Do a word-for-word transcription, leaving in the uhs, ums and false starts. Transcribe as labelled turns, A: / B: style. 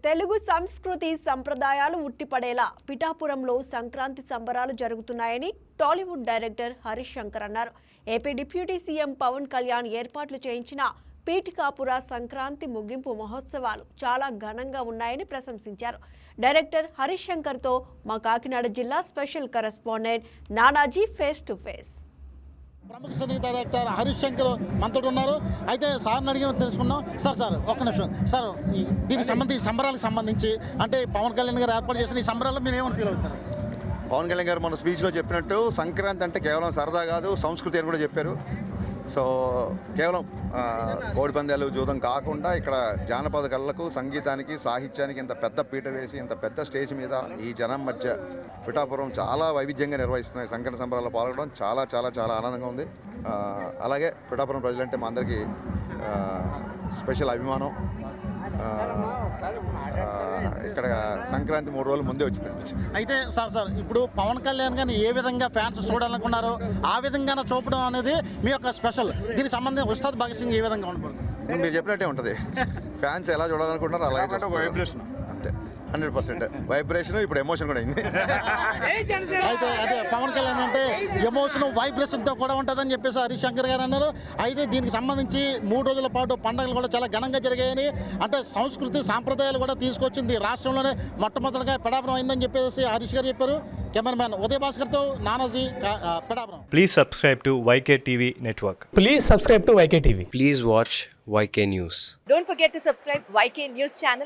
A: తెలుగు సంస్కృతి సంప్రదాయాలు ఉట్టిపడేలా పిఠాపురంలో సంక్రాంతి సంబరాలు జరుగుతున్నాయని టాలీవుడ్ డైరెక్టర్ హరీష్ శంకర్ అన్నారు. AP deputy CM Pawan Kalyan ఏర్పాట్లు చేయించిన పీఠికాపుర సంక్రాంతి ముగింపు మహోత్సవాలు చాలా ఘనంగా ఉన్నాయని ప్రశంసించారు. డైరెక్టర్ హరీష్ శంకర్తో మా కాకినాడ జిల్లా special correspondent Nanaji face to face.
B: ప్రముఖ సినీ డైరెక్టర్ హరీష్ శంకర్ మనతో ఉన్నారు. అయితే సార్ని అడిగి తెలుసుకున్నాం. సార్ సార్ ఒక్క నిమిషం సార్, దీనికి సంబంధించి సంబరాలకు సంబంధించి అంటే పవన్ కళ్యాణ్ గారు ఏర్పాటు చేసిన ఈ సంబరాల్లో మీరు ఏమని ఫీల్ అవుతారు?
C: పవన్ కళ్యాణ్ గారు మన స్పీచ్లో చెప్పినట్టు సంక్రాంతి అంటే కేవలం సరదా కాదు, సంస్కృతి అని కూడా చెప్పారు. సో కేవలం కోడి పందాలు జూదం కాకుండా ఇక్కడ జానపద కళలకు, సంగీతానికి, సాహిత్యానికి ఇంత పెద్ద పీట వేసి ఇంత పెద్ద స్టేజ్ మీద ఈ జనం మధ్య పిఠాపురం చాలా వైవిధ్యంగా నిర్వహిస్తున్నాయి. సంక్రాంతి సంబరాల్లో పాల్గొనడం చాలా చాలా చాలా ఆనందంగా ఉంది. అలాగే పిఠాపురం ప్రజలంటే మా అందరికీ స్పెషల్ అభిమానం. ఇక్కడ సంక్రాంతి మూడు రోజులు ముందే వచ్చింది.
B: అయితే సార్ సార్ ఇప్పుడు పవన్ కళ్యాణ్ గారిని ఏ విధంగా ఫ్యాన్స్ చూడాలనుకున్నారో ఆ విధంగా చూపడం అనేది మీ యొక్క స్పెషల్. దీనికి సంబంధించి ఉస్తాద్ భగత్ సింగ్ ఏ విధంగా ఉంటుంది?
C: మీరు చెప్పినట్టే ఉంటుంది. ఫ్యాన్స్ ఎలా చూడాలనుకుంటున్నారో అలాగే
D: వైబ్రేషన్
C: అంతే, హండ్రెడ్ పర్సెంట్ వైబ్రేషన్. ఇప్పుడు ఎమోషన్ కూడా అయింది.
B: అయితే అదే పవన్ కళ్యాణ్ అంటే ఎమోషన్ వైబ్రేషన్తో కూడా ఉంటుందని చెప్పేసి హరీష్ శంకర్ గారు అన్నారు. అయితే దీనికి సంబంధించి మూడు రోజుల పాటు పండుగలు కూడా చాలా ఘనంగా జరిగాయని, అంటే సంస్కృతి సాంప్రదాయాలు కూడా తీసుకొచ్చింది రాష్ట్రంలోనే మొట్టమొదటిగా పిఠాపురం అయిందని చెప్పేసి హరీష్ గారు చెప్పారు. కెమెరామ్యాన్ ఉదయ్ భాస్కర్తో Nanaji, Pithapuram.
E: Please subscribe to Y K T V Network.
F: Please subscribe to Y K T V.
G: Please watch Y K News.
H: Don't forget to subscribe Y K News channel.